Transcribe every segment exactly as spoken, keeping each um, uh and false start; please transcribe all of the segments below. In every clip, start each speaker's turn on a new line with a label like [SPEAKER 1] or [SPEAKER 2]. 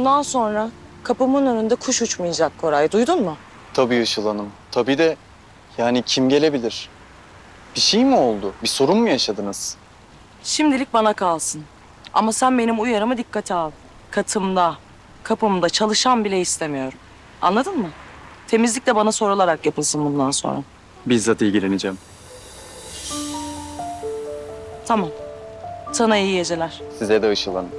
[SPEAKER 1] Bundan sonra kapımın önünde kuş uçmayacak Koray. Duydun mu?
[SPEAKER 2] Tabii Işıl Hanım. Tabii de yani kim gelebilir? Bir şey mi oldu? Bir sorun mu yaşadınız?
[SPEAKER 1] Şimdilik bana kalsın. Ama sen benim uyarımı dikkate al. Katımda, kapımda çalışan bile istemiyorum. Anladın mı? Temizlik de bana sorularak yapılsın bundan sonra.
[SPEAKER 2] Bizzat ilgileneceğim.
[SPEAKER 1] Tamam. Sana iyi geceler.
[SPEAKER 2] Size de Işıl Hanım.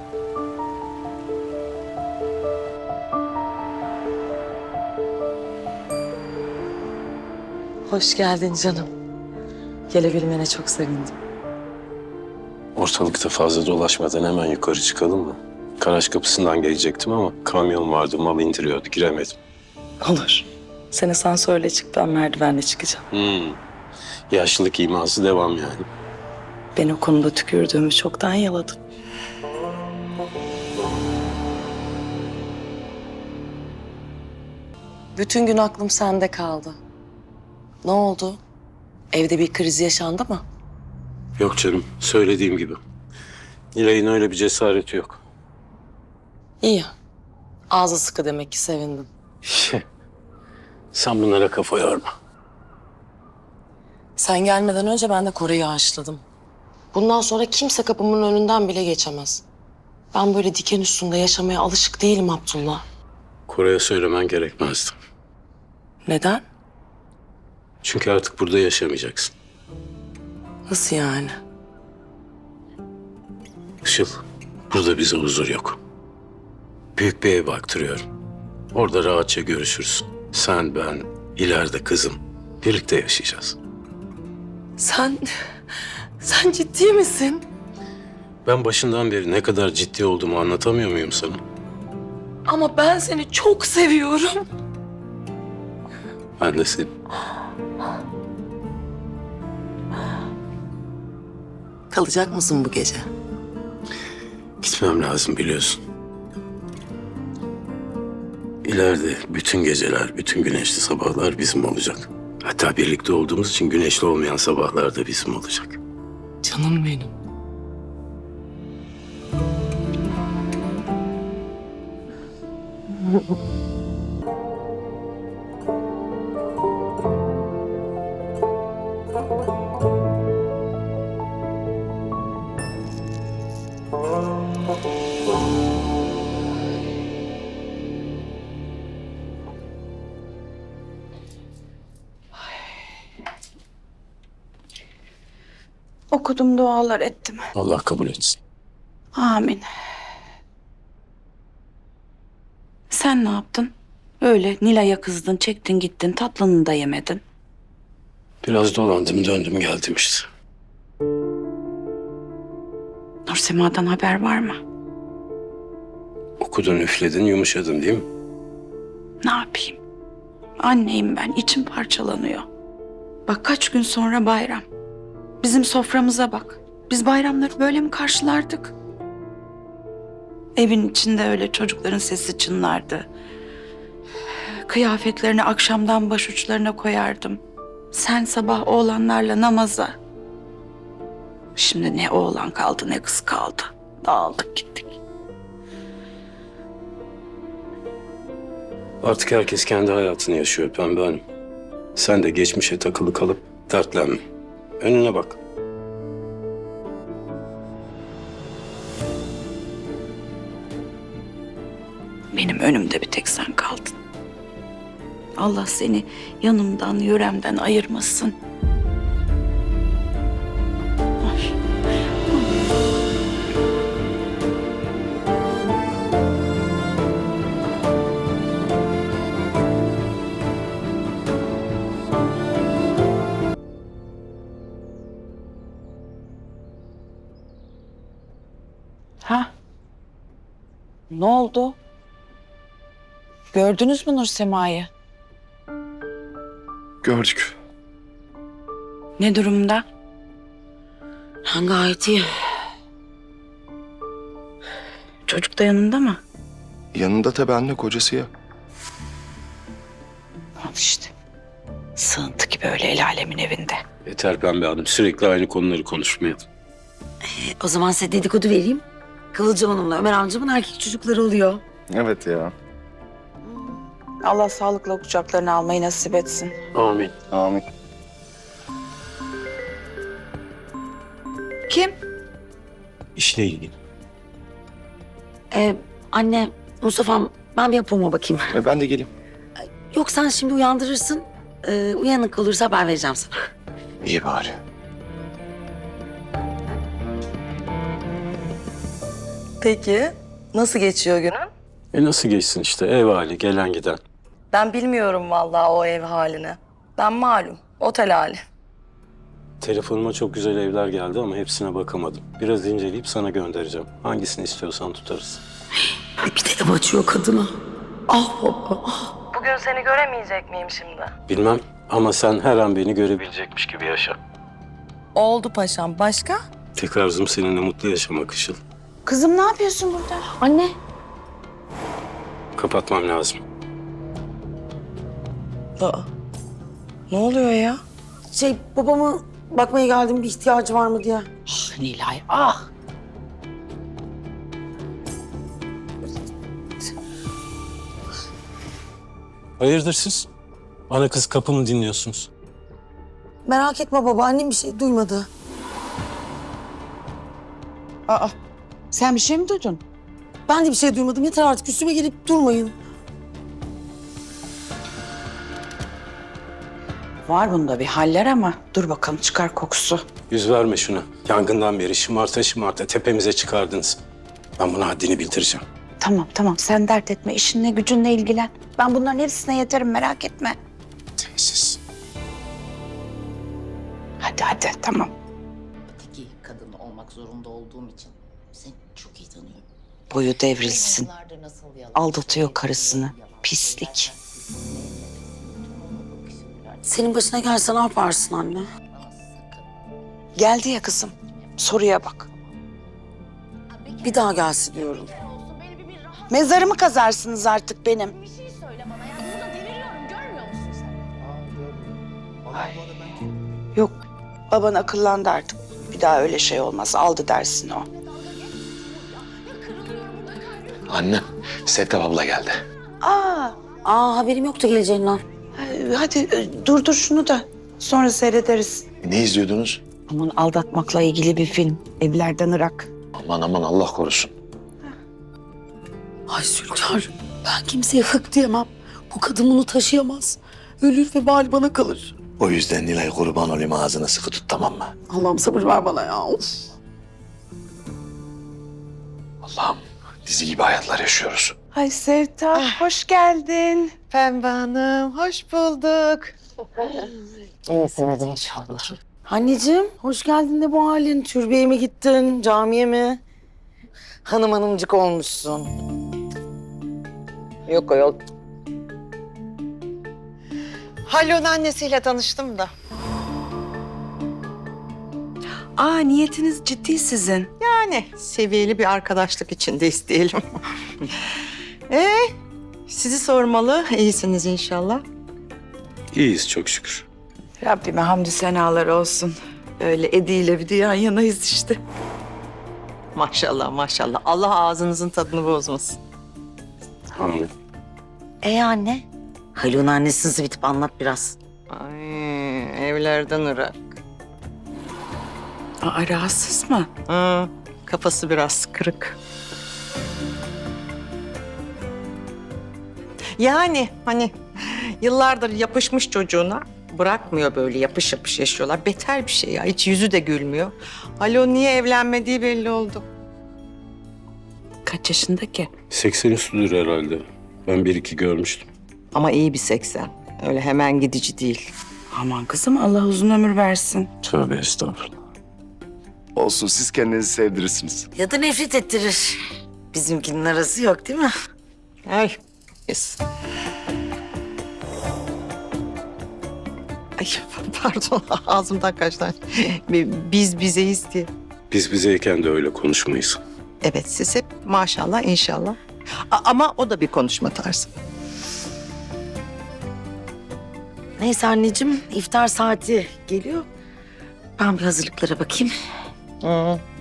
[SPEAKER 1] Hoş geldin canım. Gelebilmene çok sevindim.
[SPEAKER 3] Ortalıkta fazla dolaşmadan hemen yukarı çıkalım mı? Garaj kapısından gelecektim ama kamyon vardı, mal indiriyordu, giremedim.
[SPEAKER 1] Olur. Sen asansörle çık, ben merdivenle çıkacağım.
[SPEAKER 3] Hmm. Yaşlılık iması devam yani.
[SPEAKER 1] Ben o konuda tükürdüğümü çoktan yaladım. Bütün gün aklım sende kaldı. Ne oldu? Evde bir kriz yaşandı mı?
[SPEAKER 3] Yok canım, söylediğim gibi. Nilay'ın öyle bir cesareti yok.
[SPEAKER 1] İyi. Ağzı sıkı demek ki sevindim.
[SPEAKER 3] Sen bunlara kafa yorma.
[SPEAKER 1] Sen gelmeden önce ben de Koray'ı haşladım. Bundan sonra kimse kapımın önünden bile geçemez. Ben böyle diken üstünde yaşamaya alışık değilim Abdullah.
[SPEAKER 3] Koray'a söylemen gerekmezdi.
[SPEAKER 1] Neden?
[SPEAKER 3] Çünkü artık burada yaşamayacaksın.
[SPEAKER 1] Nasıl yani?
[SPEAKER 3] Işıl, burada bize huzur yok. Büyük bir ev baktırıyorum. Orada rahatça görüşürüz. Sen, ben, ileride kızım. Birlikte yaşayacağız.
[SPEAKER 1] Sen... Sen ciddi misin?
[SPEAKER 3] Ben başından beri ne kadar ciddi olduğumu anlatamıyor muyum sana?
[SPEAKER 1] Ama ben seni çok seviyorum.
[SPEAKER 3] Ben de seni.
[SPEAKER 1] Kalacak mısın bu gece?
[SPEAKER 3] Gitmem lazım biliyorsun. İleride bütün geceler, bütün güneşli sabahlar bizim olacak. Hatta birlikte olduğumuz için güneşli olmayan sabahlar da bizim olacak.
[SPEAKER 1] Canım benim.
[SPEAKER 4] Okudum, dualar ettim.
[SPEAKER 3] Allah kabul etsin.
[SPEAKER 4] Amin. Sen ne yaptın? Öyle Nilay'a kızdın, çektin gittin, tatlını da yemedin.
[SPEAKER 3] Biraz dolandım, döndüm, geldim işte.
[SPEAKER 4] Nursema'dan haber var mı?
[SPEAKER 3] Okudun, üfledin, yumuşadın değil mi?
[SPEAKER 4] Ne yapayım? Anneyim ben, içim parçalanıyor. Bak kaç gün sonra bayram. Bizim soframıza bak. Biz bayramları böyle mi karşılardık? Evin içinde öyle çocukların sesi çınlardı. Kıyafetlerini akşamdan başuçlarına koyardım. Sen sabah oğlanlarla namaza. Şimdi ne oğlan kaldı ne kız kaldı. Dağıldık gittik.
[SPEAKER 3] Artık herkes kendi hayatını yaşıyor Pembe Hanım. Sen de geçmişe takılı kalıp dertlenme. Önüne bak.
[SPEAKER 4] Benim önümde bir tek sen kaldın. Allah seni yanımdan, yöremden ayırmasın. Ay. Ha? Ne oldu? Gördünüz mü Nursema'yı?
[SPEAKER 5] Gördük.
[SPEAKER 4] Ne durumda?
[SPEAKER 1] Ha, gayet iyi.
[SPEAKER 4] Çocuk da yanında mı?
[SPEAKER 5] Yanında tabii anne, kocası ya.
[SPEAKER 4] Al işte. Sığıntı gibi öyle el alemin evinde.
[SPEAKER 3] Yeter Pembe Hanım, sürekli aynı konuları konuşmayalım.
[SPEAKER 6] O zaman size dedikodu vereyim. Kıvılcım Hanım'la Ömer amcamın erkek çocukları oluyor.
[SPEAKER 5] Evet ya.
[SPEAKER 4] Allah sağlıkla kucaklarına almayı nasip etsin.
[SPEAKER 3] Amin.
[SPEAKER 5] Amin.
[SPEAKER 4] Kim?
[SPEAKER 3] İşle ilgili.
[SPEAKER 6] Ee, anne, Mustafa'm ben bir yapıma bakayım.
[SPEAKER 5] E, ben de geleyim.
[SPEAKER 6] Yok sen şimdi uyandırırsın. Ee, uyanık olursa haber vereceğim sana.
[SPEAKER 5] İyi bari.
[SPEAKER 1] Peki nasıl geçiyor günün?
[SPEAKER 3] E nasıl geçsin işte ev hali gelen giden.
[SPEAKER 1] Ben bilmiyorum vallahi o ev halini. Ben malum otel hali.
[SPEAKER 3] Telefonuma çok güzel evler geldi ama hepsine bakamadım. Biraz inceleyip sana göndereceğim. Hangisini istiyorsan tutarız.
[SPEAKER 6] Bir de ev açıyor kadına. Ah baba, ah.
[SPEAKER 1] Bugün seni göremeyecek miyim şimdi?
[SPEAKER 3] Bilmem ama sen her an beni görebilecekmiş gibi yaşa.
[SPEAKER 1] Oldu paşam. Başka?
[SPEAKER 3] Tek arzum seninle mutlu yaşamak Işıl.
[SPEAKER 4] Kızım ne yapıyorsun burada?
[SPEAKER 6] Anne.
[SPEAKER 3] Kapatmam lazım.
[SPEAKER 1] Aa, ne oluyor ya?
[SPEAKER 6] Şey babamı bakmaya geldim bir ihtiyacı var mı diye.
[SPEAKER 4] Ah Nilay, ah.
[SPEAKER 3] Hayırdır siz? Ana kız kapımı dinliyorsunuz.
[SPEAKER 6] Merak etme baba annem bir şey duymadı.
[SPEAKER 4] Aa, sen bir şey mi duydun?
[SPEAKER 6] Ben de bir şey duymadım. Yeter artık üstüme gelip durmayın.
[SPEAKER 4] Var bunda bir haller ama dur bakalım çıkar kokusu.
[SPEAKER 3] Yüz verme şuna. Yangından beri şımarta şımarta tepemize çıkardınız. Ben buna haddini bildireceğim.
[SPEAKER 4] Tamam tamam sen dert etme işinle gücünle ilgilen. Ben bunların hepsine yeterim merak etme.
[SPEAKER 3] Tesis.
[SPEAKER 4] Hadi hadi tamam.
[SPEAKER 7] Öteki kadın olmak zorunda olduğum için seni çok iyi tanıyorum.
[SPEAKER 4] Boyu devrilsin.
[SPEAKER 7] Yıllardır nasıl yalan
[SPEAKER 4] Aldatıyor karısını. Pislik.
[SPEAKER 6] Senin başına gelse ne yaparsın anne?
[SPEAKER 4] Geldi ya kızım. Soruya bak.
[SPEAKER 6] Bir daha gelsin diyorum.
[SPEAKER 4] Mezarımı kazarsınız artık benim.
[SPEAKER 7] Bir şey söyle bana ya. Burada deliriyorum görmüyor musun sen?
[SPEAKER 4] Yok baban akıllandı artık. Bir daha öyle şey olmaz. Aldı dersini o.
[SPEAKER 5] Annem, Sevtap abla geldi.
[SPEAKER 4] Aa,
[SPEAKER 6] Aa haberim yoktu geleceğinden.
[SPEAKER 4] hadi e, durdur şunu da. Sonra seyrederiz.
[SPEAKER 5] Ne izliyordunuz?
[SPEAKER 4] Aman aldatmakla ilgili bir film. Evlerden Irak.
[SPEAKER 5] Aman aman Allah korusun.
[SPEAKER 6] Ay Zülkar ben kimseye hık diyemem. Bu kadın bunu taşıyamaz. Ölür ve bal bana kalır.
[SPEAKER 5] O yüzden Nilay kurban olayım ağzını sıkı tut tamam mı?
[SPEAKER 6] Allah'ım sabır ver bana ya. Of.
[SPEAKER 5] Allah'ım dizi gibi hayatlar yaşıyoruz.
[SPEAKER 4] Ay Sevtap hoş geldin.
[SPEAKER 8] Pembe Hanım, hoş bulduk.
[SPEAKER 6] Anneciğim hoş geldin de bu halin. Türbeye mi gittin, camiye mi? Hanım hanımcık olmuşsun.
[SPEAKER 8] Yok yok. Halil'in annesiyle tanıştım da.
[SPEAKER 4] Aa niyetiniz ciddi sizin.
[SPEAKER 8] Yani seviyeli bir arkadaşlık içindeyiz diyelim. Ee, sizi sormalı. İyisiniz inşallah.
[SPEAKER 3] İyiyiz çok şükür.
[SPEAKER 4] Rabbime hamdü senalar olsun. Öyle Edi ile bir de yan yanayız işte.
[SPEAKER 8] Maşallah maşallah. Allah ağzınızın tadını bozmasın.
[SPEAKER 3] Amin.
[SPEAKER 6] Ee anne? Haluk'un annesini bitip anlat biraz.
[SPEAKER 8] Ay, evlerden Irak.
[SPEAKER 4] Aa rahatsız mı?
[SPEAKER 8] Hı, kafası biraz kırık. Yani hani yıllardır yapışmış çocuğuna bırakmıyor böyle yapış yapış yaşıyorlar. Beter bir şey ya. Hiç yüzü de gülmüyor. Alo niye evlenmediği belli oldu.
[SPEAKER 4] Kaç yaşında ki?
[SPEAKER 3] seksen üstüdür herhalde. Ben bir iki görmüştüm.
[SPEAKER 8] Ama iyi bir seksen. Öyle hemen gidici değil.
[SPEAKER 4] Aman kızım Allah uzun ömür versin.
[SPEAKER 3] Tövbe estağfurullah.
[SPEAKER 5] Olsun siz kendinizi sevdirirsiniz.
[SPEAKER 6] Ya da nefret ettirir. Bizimkinin arası yok değil mi?
[SPEAKER 8] Ay. Yes. Ay pardon ağzımdan kaçtı. Biz bizeyiz diye.
[SPEAKER 3] Biz bizeyken de öyle konuşmayız.
[SPEAKER 8] Evet siz hep maşallah inşallah. A- ama o da bir konuşma tarzı.
[SPEAKER 6] Neyse anneciğim iftar saati geliyor. Ben bir hazırlıklara bakayım.
[SPEAKER 8] Hı.